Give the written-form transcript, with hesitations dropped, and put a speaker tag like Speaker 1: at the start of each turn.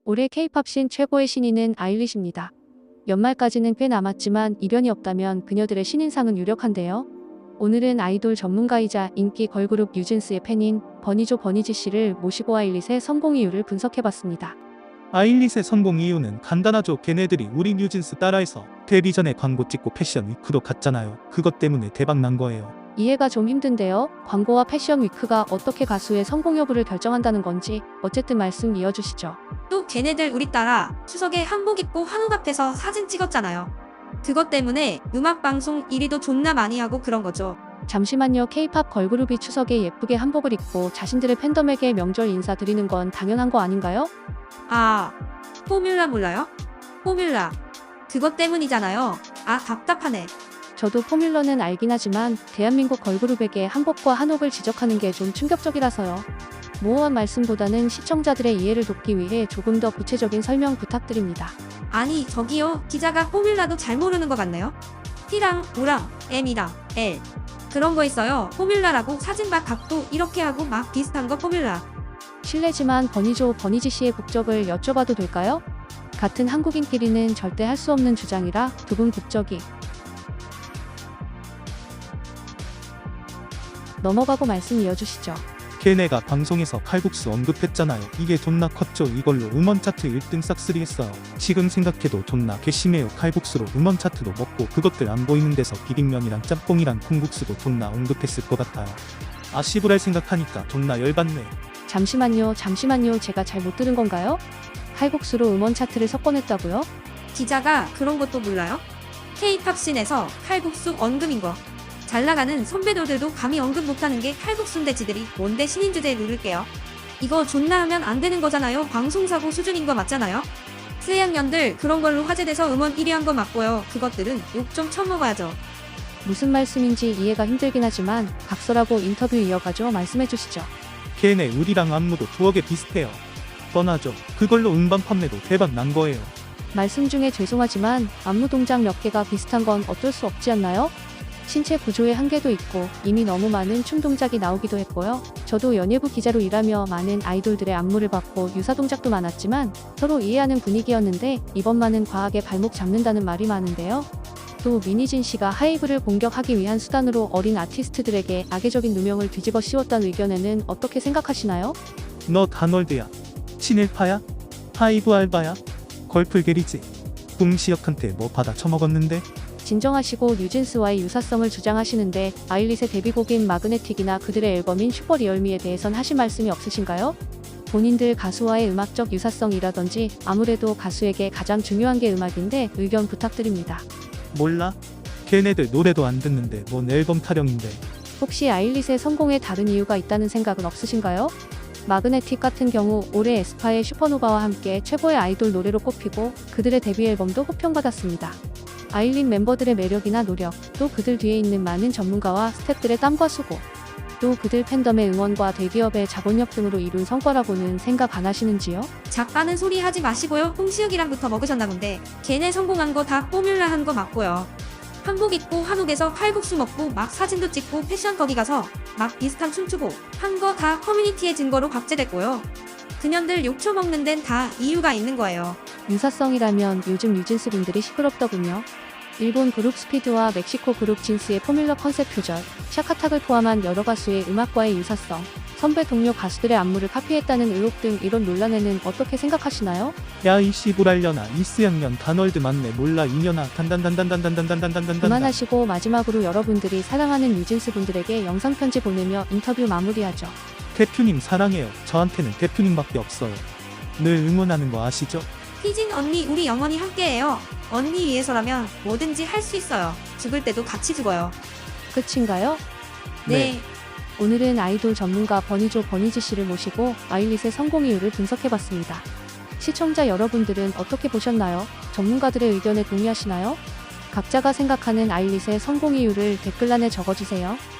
Speaker 1: 올해 K-팝 신 최고의 신인은 아일리시입니다. 연말까지는 꽤 남았지만 이변이 없다면 그녀들의 신인상은 유력한데요. 오늘은 아이돌 전문가이자 인기 걸그룹 뉴진스의 팬인 버니조 버니지 씨를 모시고 아일릿의 성공 이유를 분석해봤습니다.
Speaker 2: 아일릿의 성공 이유는 간단하죠. 걔네들이 우리 뉴진스 따라해서 데뷔 전에 광고 찍고 패션 위크도 갔잖아요. 그것 때문에 대박 난 거예요.
Speaker 1: 이해가 좀 힘든데요. 광고와 패션 위크가 어떻게 가수의 성공 여부를 결정한다는 건지 어쨌든 말씀 이어주시죠.
Speaker 3: 또 걔네들 우리 따라 추석에 한복 입고 한옥 앞에서 사진 찍었잖아요. 그것 때문에 음악방송 1위도 존나 많이 하고 그런 거죠.
Speaker 1: 잠시만요. K-팝 걸그룹이 추석에 예쁘게 한복을 입고 자신들의 팬덤에게 명절 인사 드리는 건 당연한 거 아닌가요?
Speaker 3: 아, 포뮬라 몰라요? 포뮬라. 그것 때문이잖아요. 아, 답답하네.
Speaker 1: 저도 포뮬러는 알긴 하지만 대한민국 걸그룹에게 한복과 한옥을 지적하는 게 좀 충격적이라서요. 모호한 말씀보다는 시청자들의 이해를 돕기 위해 조금 더 구체적인 설명 부탁드립니다.
Speaker 3: 아니, 저기요. 기자가 포뮬라도 잘 모르는 것 같네요. T랑 O랑 M이랑 L. 그런 거 있어요. 포뮬라라고 사진과 각도 이렇게 하고 막 비슷한 거 포뮬라.
Speaker 1: 실례지만 버니조 버니지 씨의 국적을 여쭤봐도 될까요? 같은 한국인끼리는 절대 할 수 없는 주장이라 두 분 국적이 넘어가고 말씀 이어주시죠.
Speaker 2: 걔네가 방송에서 칼국수 언급했잖아요. 이게 존나 컸죠. 이걸로 음원 차트 1등 싹쓸이 했어요. 지금 생각해도 존나 괘씸해요. 칼국수로 음원 차트도 먹고 그것들 안 보이는 데서 비빔면이랑 짬뽕이랑 콩국수도 존나 언급했을 것 같아요. 아씨부랄 생각하니까 존나 열받네.
Speaker 1: 잠시만요. 제가 잘 못 들은 건가요? 칼국수로 음원 차트를 석권했다고요?
Speaker 3: 기자가 그런 것도 몰라요? K-팝 씬에서 칼국수 언급인 거. 잘 나가는 선배들도 감히 언급 못하는 게 칼국수인데 지들이 뭔데 신인 주제에 누를게요. 이거 존나 하면 안 되는 거잖아요. 방송사고 수준인 거 맞잖아요. 쓰양년들 그런 걸로 화제돼서 음원 1위 한 거 맞고요. 그것들은 욕 좀 처먹어야죠.
Speaker 1: 무슨 말씀인지 이해가 힘들긴 하지만 각설하고 인터뷰 이어가죠. 말씀해 주시죠.
Speaker 2: 걔네 우리랑 안무도 두억에 비슷해요. 뻔하죠. 그걸로 음반 판매도 대박 난 거예요.
Speaker 1: 말씀 중에 죄송하지만 안무 동작 몇 개가 비슷한 건 어쩔 수 없지 않나요? 신체 구조의 한계도 있고 이미 너무 많은 춤 동작이 나오기도 했고요. 저도 연예부 기자로 일하며 많은 아이돌들의 안무를 봤고 유사 동작도 많았지만 서로 이해하는 분위기였는데 이번만은 과하게 발목 잡는다는 말이 많은데요. 또 미니진 씨가 하이브를 공격하기 위한 수단으로 어린 아티스트들에게 악의적인 누명을 뒤집어 씌웠다는 의견에는 어떻게 생각하시나요?
Speaker 2: 너 단월드야. 친일파야? 하이브 알바야? 걸풀게리지? 꿍시역한테 뭐 받아 처먹었는데?
Speaker 1: 진정하시고 뉴진스와의 유사성을 주장하시는데 아일릿의 데뷔곡인 마그네틱이나 그들의 앨범인 슈퍼리얼미에 대해선 하실 말씀이 없으신가요? 본인들 가수와의 음악적 유사성이라든지 아무래도 가수에게 가장 중요한 게 음악인데 의견 부탁드립니다.
Speaker 2: 몰라? 걔네들 노래도 안 듣는데 뭔 앨범 타령인데.
Speaker 1: 혹시 아일릿의 성공에 다른 이유가 있다는 생각은 없으신가요? 마그네틱 같은 경우 올해 에스파의 슈퍼노바와 함께 최고의 아이돌 노래로 꼽히고 그들의 데뷔 앨범도 호평받았습니다. 아일릿 멤버들의 매력이나 노력, 또 그들 뒤에 있는 많은 전문가와 스태프들의 땀과 수고, 또 그들 팬덤의 응원과 대기업의 자본력 등으로 이룬 성과라고는 생각 안 하시는지요?
Speaker 3: 작가는 소리 하지 마시고요. 홍시혁이랑부터 먹으셨나 본데 걔네 성공한 거 다 포뮬라 한 거 맞고요. 한복 입고 한옥에서 칼국수 먹고 막 사진도 찍고 패션 거기 가서 막 비슷한 춤추고 한 거 다 커뮤니티의 증거로 박제됐고요. 그년들 욕 처먹는 데는 다 이유가 있는 거예요.
Speaker 1: 유사성이라면 요즘 뉴진스 분들이 시끄럽더군요. 일본 그룹 스피드와 멕시코 그룹 진스의 포뮬러 컨셉 표절, 샤카탁을 포함한 여러 가수의 음악과의 유사성, 선배 동료 가수들의 안무를 카피했다는 의혹 등 이런 논란에는 어떻게 생각하시나요?
Speaker 2: 야 이 씨부랄려나 이스양년 단월드 맞네. 몰라 이년아 단단단단단단단단단단단.
Speaker 1: 그만하시고 마지막으로 여러분들이 사랑하는 뉴진스 분들에게 영상 편지 보내며 인터뷰 마무리하죠.
Speaker 2: 대표님 사랑해요. 저한테는 대표님밖에 없어요. 늘 응원하는 거 아시죠?
Speaker 3: 희진 언니 우리 영원히 함께해요. 언니 위해서라면 뭐든지 할 수 있어요. 죽을 때도 같이 죽어요.
Speaker 1: 끝인가요?
Speaker 3: 네.
Speaker 1: 오늘은 아이돌 전문가 버니조 버니지 씨를 모시고 아일릿의 성공 이유를 분석해봤습니다. 시청자 여러분들은 어떻게 보셨나요? 전문가들의 의견에 동의하시나요? 각자가 생각하는 아일릿의 성공 이유를 댓글란에 적어주세요.